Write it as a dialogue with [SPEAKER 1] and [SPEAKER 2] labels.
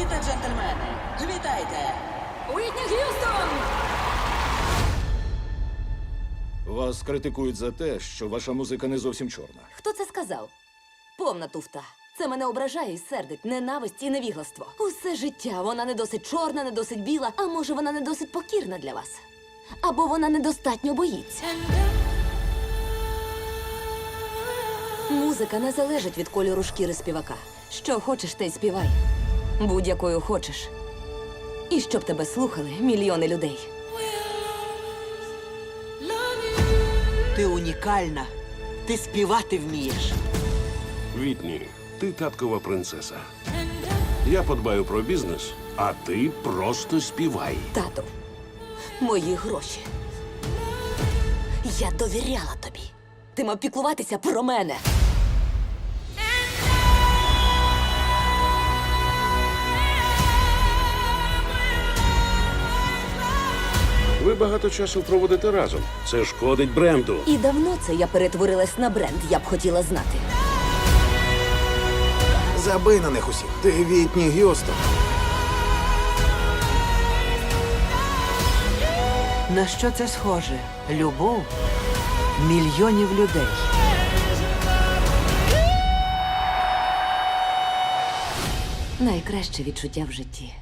[SPEAKER 1] Леді та джентльмени, вітайте!
[SPEAKER 2] Уітні Г'юстон!
[SPEAKER 3] Вас критикують за те, що ваша музика не зовсім чорна.
[SPEAKER 2] Хто це сказав? Повна туфта. Це мене ображає і сердить. Ненависть і невігластво. Усе життя вона не досить чорна, не досить біла, а може вона не досить покірна для вас. Або вона недостатньо боїться. Музика не залежить від кольору шкіри співака. Що хочеш, те й співай. Будь-якою хочеш. І щоб тебе слухали мільйони людей.
[SPEAKER 4] Ти унікальна. Ти співати вмієш.
[SPEAKER 5] Вітні, ти таткова принцеса. Я подбаю про бізнес, а ти просто співай.
[SPEAKER 2] Тату, мої гроші. Я довіряла тобі. Ти мав піклуватися про мене.
[SPEAKER 5] Ви багато часу проводите разом. Це шкодить бренду.
[SPEAKER 2] І давно це я перетворилась на бренд, я б хотіла знати.
[SPEAKER 6] Забий на них усіх. Ти Вітні Г'юстон.
[SPEAKER 4] На що це схоже? Любов мільйонів людей.
[SPEAKER 2] Найкраще відчуття в житті.